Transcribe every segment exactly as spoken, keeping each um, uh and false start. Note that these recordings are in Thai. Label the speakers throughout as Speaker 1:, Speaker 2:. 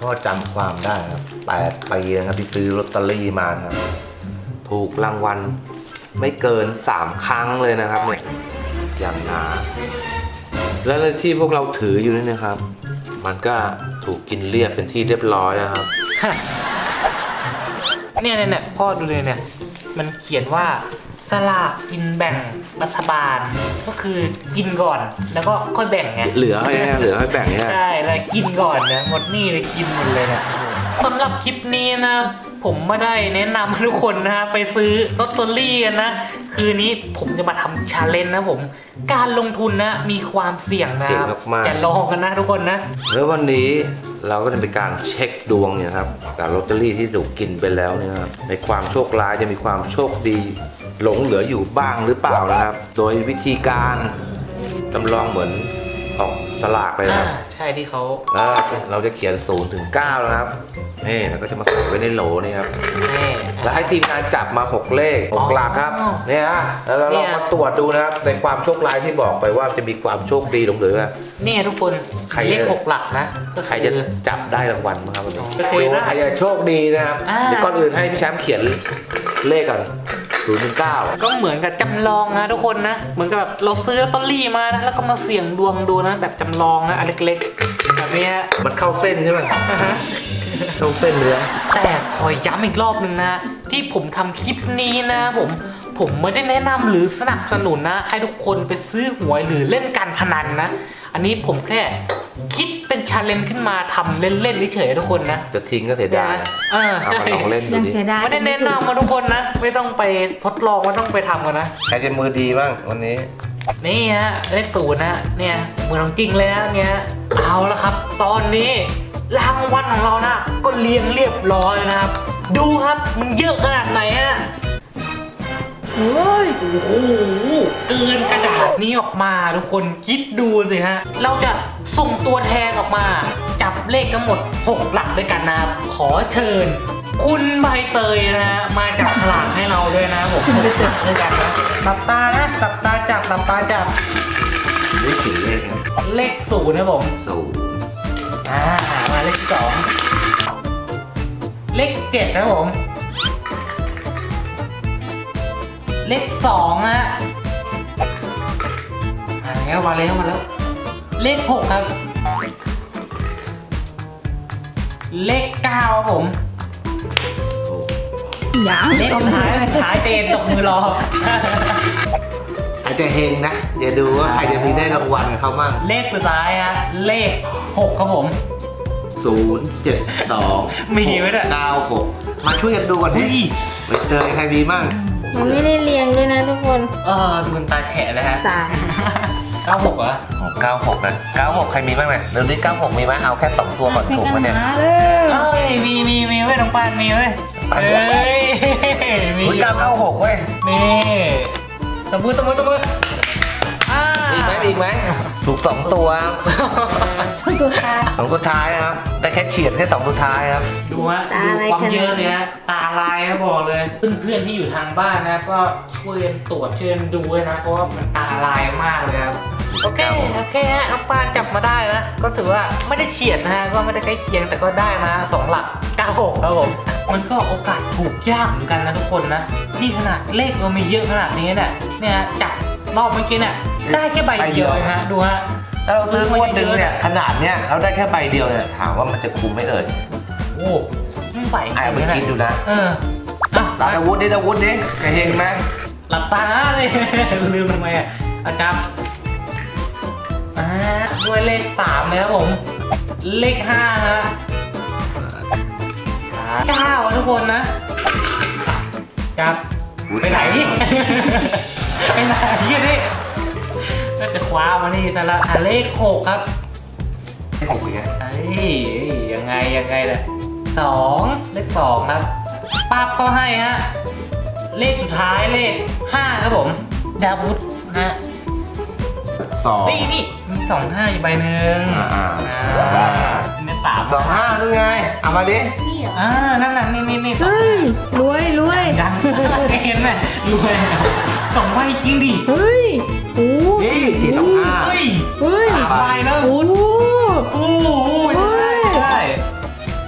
Speaker 1: จำความได้ครับแปดปีนะครับที่ซื้อลอตเตอรี่มาครับถูกรางวัลไม่เกินสามครั้งเลยนะครับเนี่ยอย่างหนาและที่พวกเราถืออยู่นี่นะครับมันก็ถูกกินเรียบเป็นที่เรียบร้อยนะครับ
Speaker 2: เนี่ยเนี่ยเนี่ยพ่อดูเลยเนี่ยมันเขียนว่าสลากกินแบ่งรัฐบาลก็คือกินก่อนแล้วก็ค่อยแบ่งไง
Speaker 1: เหลือให้เหลือให้แบ่งเนี่ย
Speaker 2: ใช่แล้วกินก่อนเนี่ยหมดนี่เลยกินหมดเลยเนี่ยสำหรับคลิปนี้นะผมไม่ได้แนะนำให้ทุกคนนะฮะไปซื้อลอตเตอรี่กันนะคืนนี้ผมจะมาทำชาเลนจ์นะผมการลงทุนนะมีความเสี่ยงนะครับอย่าลองกันนะทุกคนนะ
Speaker 1: แล้ววันนี้เราก็จะเป็นการเช็คดวงเนี่ยครับการลอตเตอรี่ที่ถูกกินไปแล้วเนี่ยครับในความโชคร้ายจะมีความโชคดีหลงเหลืออยู่บ้างหรือเปล่านะครับโดยวิธีการจำลองเหมือนออกสลากเลยครับ
Speaker 2: ใช่ที่เขา
Speaker 1: แล้วเราจะเขียนศูนย์ถึงเก้านะครับนี่เราก็จะมาใส่ไว้ในโหลนี่ครับแล้วให้ทีมงานจับมาหกเลขหกหลักครับเนี่ยฮะแล้วเราลองมาตรวจดูนะครับในความโชคร้ายที่บอกไปว่าจะมีความโชคดีหลงเหลือ
Speaker 2: เนี่ยทุกคนเลขหกหลักนะ
Speaker 1: ก็ใครจะจับได้รางวัลมั้งครับวันนี้ใครจะโชคดีนะครับเดี๋ยวก่อนอื่นให้พี่แชมป์เขียนเลขก่อนศูนย์ถึงเก้า
Speaker 2: ก็เหมือนกับจำลองนะทุกคนนะเหมือนกับแบบเราซื้อลอตเตอรี่มานะแล้วก็มาเสี่ยงดวงดูนะแบบจำลองนะอันเล็กๆแบบนี้
Speaker 1: มันเข้าเส้นใช่ไหมเข้าเส้นเลย
Speaker 2: แต่ขอย้ำอีกรอบหนึ่งนะที่ผมทำคลิปนี้นะผมผมไม่ได้แนะนำหรือสนับสนุนนะให้ทุกคนไปซื้อหวยหรือเล่นการพนันนะอันนี้ผมแค่คิดเป็นชาเลนจ์ขึ้นมาทำเล่นๆเฉยๆทุกคนนะ
Speaker 1: จะทิ้งก็เสียดาย
Speaker 2: เออใช่
Speaker 1: ลองเล่นดูดิ
Speaker 2: ไม่ได้แนะนำมาทุกคนนะไม่ต้องไปทดลองไม่ต้องไปทำกันนะ
Speaker 1: ใครจะมือดีบ้างวันนี้
Speaker 2: นี่ฮะเลขศูนย์นะเนี่ยมือของจริงเลยนะเนี่ยเอาละครับตอนนี้รางวัลของเรานะก็เรียงเรียบร้อยนะครับดูครับมันเยอะขนาดไหนฮะเฮ้ยโอ้โหเกินกระดาษนี้ออกมาทุกคนคิดดูสิฮะเราจะส่งตัวแทนออกมาจับเลขทั้งหมดหกหลักด้วยกันนะครับขอเชิญคุณใบเตยนะฮะมาจับฉลากให้เราด้วยนะผมหกหลักด้วยกันนะตับตานะตับตาจับตับตาจับ
Speaker 1: เลขกี่เลขครับ
Speaker 2: เลขศูนย์นะผม
Speaker 1: ศูนย์
Speaker 2: อ่ามาเลขสองเลขเจ็ดนะผมเลขสองฮะมาแล้วมาแล้วมาแล้วเลขหกครับเลขเก้าครับผม
Speaker 3: ยัง
Speaker 2: เลขสุดท้ายท้ายเตนตกมือรอ
Speaker 1: อาจจะเฮงนะเดี๋ยวดูว่าใครจะมีได้รางวัลกับเขาบ้าง
Speaker 2: เลขสุดท้ายฮะเลขหกครับผม
Speaker 1: ศูนย์เจ็ดสอง
Speaker 2: มีไหมเนี่ย
Speaker 1: เก้าหกมาช่วยกันดูก่อนดิไปเจอใครมีบ้าง
Speaker 3: มันไม่ได้เรียงด้วยนะทุกคน
Speaker 2: เออดูมันตาแฉะเลยฮะตาเก้าหกเหรอ
Speaker 1: เก้าหกนะเก้าหกใครมีบ้างเนี่ยเดี๋ยวนี้เก้าหกมีไหมเอาแค่สองตัวก่อนถูกไหมเนี่ย
Speaker 2: เอ้ยมีมีมีเว้ยน้องปานมีเว้ยเฮ้ย
Speaker 1: มีเก้าเก้าหกเว้ย
Speaker 2: นี่ตบมือตบมือตบมือ
Speaker 1: มีไหมมีไหมถูกสองตัว
Speaker 3: สองตัวท้าย
Speaker 1: สองตัวท้ายนะครับแต่แค่เฉียดแค่สองตัวท้ายครับ
Speaker 2: ดูฮะดูความเยอะเลยฮะตาลายนะบอกเลยเพื่อนๆที่อยู่ทางบ้านนะก็ช่วยตรวจช่วยดูด้วยนะเพราะว่ามันตาลายมากเลยครับโอเคโอเคฮะน้องปานจับมาได้นะก็ถือว่าไม่ได้เฉียดนะฮะก็ไม่ได้ใกล้เคียงแต่ก็ได้มาสองหลักเก้าหกครับผมมันก็โอกาสถูกยากเหมือนกันนะทุกคนนะนี่ขนาดเลขเรามีเยอะขนาดนี้เนี่ยเนี่ยจับรอบเมื่อกี้เนี่ยได้แค่ใบเดียวฮะดูฮะ
Speaker 1: ถ้าเราซื้องวดหนึ่งเนี่ยขนาดเนี้ยเราได้แค่ใบเดียวเนี่ยถามว่ามันจะคุ้มไหมเอ่ย
Speaker 2: โอ้ไม่ไหว
Speaker 1: ไอ้ไปคิดดูนะ
Speaker 2: เออ
Speaker 1: ตาอาวุธดิอาวุธดิเห็นไหม
Speaker 2: หลับตาเลยลืมทำไมอ่ะอาจารย์อ่าด้วยเลขสามเลยครับผมเลขห้าฮะเก้าทุกคนนะจับไปไหนไปไหนยี่นี่ก็จะคว้ามานี่แต่ละเลขหกครับ
Speaker 1: เลขหกเป็นไง
Speaker 2: ไอ้ยังไงยังไงล่ะสองเลขสองครับป้าก็ให้ฮะเลขสุดท้ายเลขห้าครับผมดาวุธฮะ
Speaker 1: สอง
Speaker 2: นี่นี่มีสองห้าอยู่ใบหนึ่ง
Speaker 1: อ่า
Speaker 2: เนี่ยสาม
Speaker 1: สองห้าด้วยไงเอามาดิ
Speaker 2: อ่านั่นน่ะนี่นี่นี่
Speaker 3: เฮ้ยรวยรวย
Speaker 2: ยังเห็นไหมรวยสองใบจริงดิ
Speaker 3: เฮ้ยโอ้
Speaker 1: นี่ที่สองห้า
Speaker 2: เฮ้ย
Speaker 3: เฮ้ย
Speaker 2: สามใบแล้ว
Speaker 3: โอ้
Speaker 2: โหโอ้โหได้ได้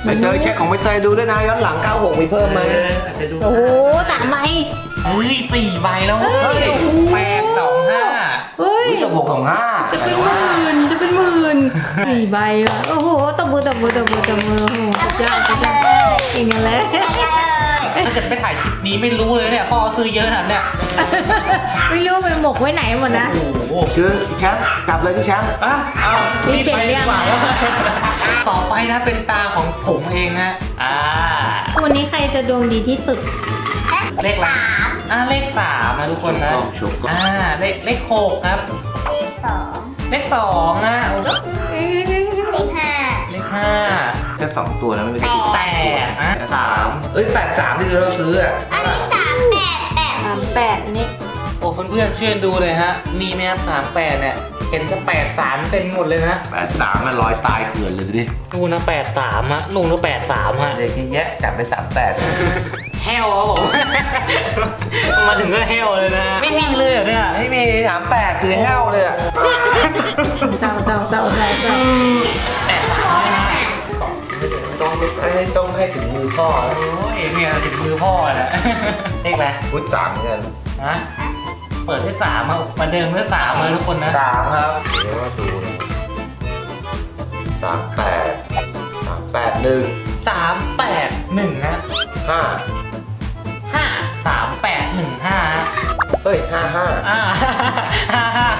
Speaker 1: ใบเตยเช็คของใบเตยดูด้วยนะย้อนหลังเก้าหกมีเพิ่มไหม
Speaker 2: เอออาจจะดู
Speaker 3: โอ้โหสามใบ
Speaker 2: เฮ้ยสี่ใบแล้วเฮ้ยแปดสองห้า
Speaker 3: เฮ้ย
Speaker 1: อุ้ยตบหกสองห้า
Speaker 3: จะเป็นหมื่นจะเป็นหมื่นสี่ใบว่ะโอ้โหตบมือตบมือตบมือตบมือโอ้โหสุดยอดสุดยอดเก่งกันแล้ว
Speaker 2: ถ้าเกิดไปถ่ายคลิปนี้ไม่รู้เลยเนี่ยพ่อซื้อเยอะขนาดเนี่ย
Speaker 3: ไม่รู้ไปหมกไว้ไหนหมดนะ
Speaker 2: โอ้โห
Speaker 1: คือแชมป์กลับเลยพี่แชมป์
Speaker 2: อ่ะเอารีบไปดีกว่าต่อไปนะเป็นตาของผมเองฮะอ่า
Speaker 3: วันนี้ใครจะดวงดีที่สุด
Speaker 2: เลขอะไรอ่าเลขสามนะทุกคนนะ
Speaker 1: ชุบก็
Speaker 2: อ่าเลขเลขหกครับ
Speaker 4: เลขสอง
Speaker 2: เลขสองนะโอ้
Speaker 4: เลขห้า
Speaker 2: เลขห้า
Speaker 1: แค่สองตัวนะไม่เป็น
Speaker 2: แปดนะ
Speaker 1: สามเอ้ยแปดสามที่เราซื้ออ่ะ
Speaker 4: อันนี้สามแปดแปด
Speaker 3: สามแปดอันนี้
Speaker 2: โอ้เพื่อนๆช่วยดูเลยฮะมีไหมครับสามแปดเนี่ยเห็นจะแปดสามเต็มหมดเลยนะ
Speaker 1: แปดสามมันลอยตายเกลื่อนเลยดูดิ
Speaker 2: นู่นนะแปดสามฮะนู่นนะแปดสามฮะ
Speaker 1: เด็กที่แยะจับไปสามแปด
Speaker 2: แฮวครับผม มาถึงก็แฮวเลยนะไม่มีเลยเหรอเนี่ย
Speaker 1: ไม่มีสามแปดคือแห้วเลยอ่ะ
Speaker 3: เศร้าเศร้าเศร้าเศร้าเศร้า
Speaker 2: แปดสามเลยนะ
Speaker 1: ต้องให้ต้องให้ถึงมือพ่อแล้ว
Speaker 2: โอ้ยเนี่ยถึงมือพ่อนะ เลขอะไร
Speaker 1: อุ้ยสามเหมือนกัน
Speaker 2: ฮะเปิดด้วยสามอ่ะมาเดิมด้วยสามเลยทุกคนนะ
Speaker 1: สามครับเดี๋ยวมาดูนะสามแปดสามแปดหนึ่ง
Speaker 2: สามแปดหนึ่งนะ
Speaker 1: ห้า
Speaker 2: ห้าสามแปดหนึ่งห้า
Speaker 1: เฮ้ยห้าห้า
Speaker 2: อ่าห้าห้า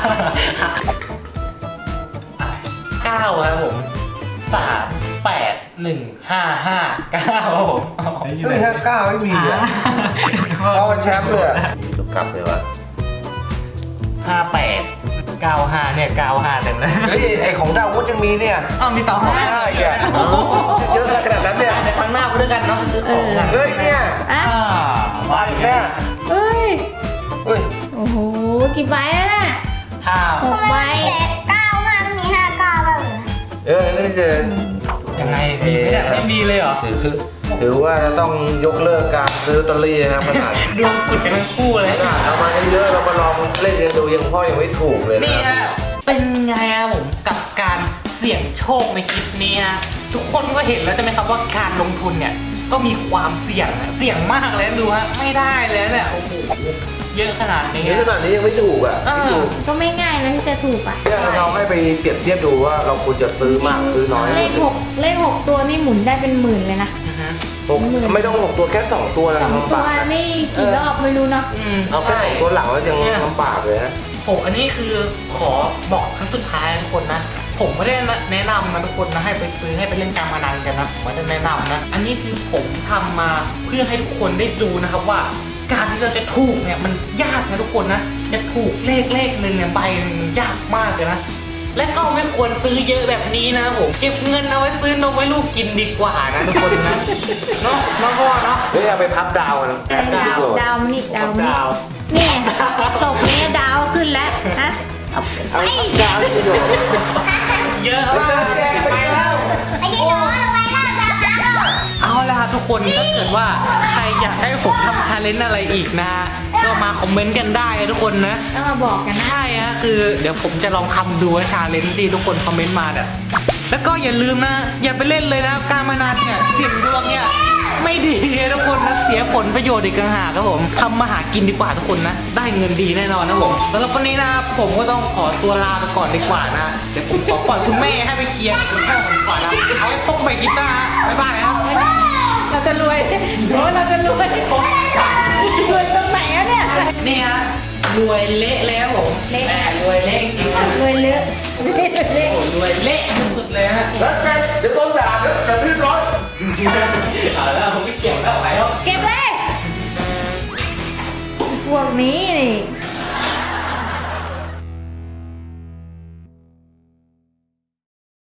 Speaker 2: เก้าครับผมสามแปดหนึ่งห้าห้าเก้าครับผม
Speaker 1: เฮ้ยห้าเก้าไม่มีอ่ะเอาเป็นแชมป์เลยอ่ะลูกกลับเลยวะ
Speaker 2: ห้าแปดเก้าห้าเนี่ยเก้าห้าเต็มเลย
Speaker 1: เฮ้ยไอของดาววุฒิยังมีเนี่ย
Speaker 2: อ้าวมีสองห้า
Speaker 1: ไม่ได้แกเยอะขนาดนั้นเนี่ย
Speaker 2: ในครั้งหน้าไปด้วยกันเนาะซื้อของกัน
Speaker 1: เฮ้ยเนี่ย
Speaker 3: อ่ะ
Speaker 2: อ่า
Speaker 1: วันเนี่ย
Speaker 3: เฮ้ย
Speaker 1: เฮ้ย
Speaker 3: โอ้โหกี่ใบแล้วน่ะ
Speaker 2: ห้า
Speaker 3: หกใบ
Speaker 4: เก้าห้าไม่มีห้าเก้าบ้างเหรอ
Speaker 1: เออนี่ไม่เจอ
Speaker 2: ยังไงมีไหมเนี่ยไม่มีเลยเหรอ
Speaker 1: ถือถือว่าจะต้องยกเลิกการซื้อลอตเตอรี่นะครับขนาด
Speaker 2: ดวงกุดกันทั้งคู่เลย
Speaker 1: ขนาดเอามาเยอะๆเรามาลองเล่นกันดูยังพ่อยังไม่ถูกเลย
Speaker 2: นี่
Speaker 1: นะ
Speaker 2: ฮะเป็นไงอะผมกับการเสี่ยงโชคในคลิปนี้ฮะทุกคนก็เห็นแล้วใช่ไหมครับว่าการลงทุนเนี่ยก็มีความเสี่ยงอะเสี่ยงมากเลยนะดูฮะไม่ได้เลยเนี่ยโอ้โหเยอะขนาดนี้
Speaker 1: นี่ขนาดนี้ยังไม่ถูกอ่ะไม่ถูก
Speaker 3: ก็ไม่ง่ายนะที่จะถูกอ่ะ
Speaker 1: เนี่ยเราให้ไปเปรียบเทียบดูว่าเราควรจะซื้อมากซื้อน้อย
Speaker 3: เลขหกเลขหกตัวนี่หมุนได้เป็นหมื่นเลยนะ
Speaker 2: อือฮึ
Speaker 1: หกไม่ต้องหกตัวแค่สองตัวนะ
Speaker 3: สอง
Speaker 1: ลำ
Speaker 3: ตั
Speaker 1: บาว ก
Speaker 3: นี่กี่รอบไม่รู้เนาะ
Speaker 2: อืม
Speaker 1: เอาแค่สองตัวหลังแล้วยังลำบากเลยนะ
Speaker 2: ผมอันนี้คือขอบอกครั้งสุดท้ายนะทุกคนนะผมไม่ได้แนะนำนะทุกคนนะให้ไปซื้อให้ไปเล่นการพนันกันนะผมไม่ได้แนะนำนะอันนี้คือผมทำมาเพื่อให้ทุกคนได้ดูนะครับว่า การที่เราจะถูกเนี่ยมันยากนะทุกคนนะจะถูกเลขเลขหนึ่งเนี่ยใบหนึ่งยากมากเลยนะและก็ไม่ควรซื้อเยอะแบบนี้นะผมเก็บเงินเอาไว้ซื้อนมไว้ลูกกินดีกว่านะทุกคนนะเนาะเนาะพ่อเนาะ
Speaker 1: เฮ้ยเอาไปพับดาวกัน
Speaker 2: ดาว
Speaker 3: ดาวมันอีกดาวมันอี
Speaker 2: ดาก ว
Speaker 3: เนี่ยตกเนี่ยดาวขึ้นแล้วนะเอา
Speaker 1: เอา
Speaker 3: ไป
Speaker 1: ดาวที่ประโยชน์
Speaker 2: เยอะมากไปแล้ว
Speaker 4: ไอ้ยี่น้อยลงไปแล้วดาวน้ำหรอ
Speaker 2: เอาล่ะทุกคนถ้าเกิดว่าใครอยากให้ผมทำชาเลนจ์อะไรอีกนะฮะก็มาคอมเมนต์กันได้นะทุกคนนะ
Speaker 3: ต้องมาบอกกันนะ
Speaker 2: ใช่ฮะคือเดี๋ยวผมจะลองทำดูชาเลนจ์ที่ทุกคนคอมเมนต์มาเนี่ยแล้วก็อย่าลืมนะอย่าไปเล่นเลยนะการพนันเนี่ยเสี่ยงดวงเนี่ยไม่ดีนะทุกคนนะเสียผลประโยชน์อีกต่างหากครับผมทำมาหากินดีกว่าทุกคนนะได้เงินดีแน่นอนนะผมสำหรับวันนี้นะครับผมก็ต้องขอตัวลาไปก่อนดีกว่านะเดี๋ยวผมขอปล่อยคุณแม่ให้ไปเคลียร์กับคุณพ่อผมก่อนนะเอาไว้พบใหม่คลิปหน้าฮะบ๊ายบายครับ
Speaker 3: เราจะรวยโอ้เราจะรวยรวยตรงไหนอะเนี่ย
Speaker 2: นี่ฮะรวยเละแล้วผมแม่รวยเละจริงๆ
Speaker 3: รวยเลอะรวยเลอะ
Speaker 2: โอ้รวยเละสุดๆเลยฮะ
Speaker 1: แล้วไงเดี๋ยวต้นด่าเดี๋ยวจะรีบร้อย
Speaker 2: เอาแล้วผมไม่เกี่ยวแล้ว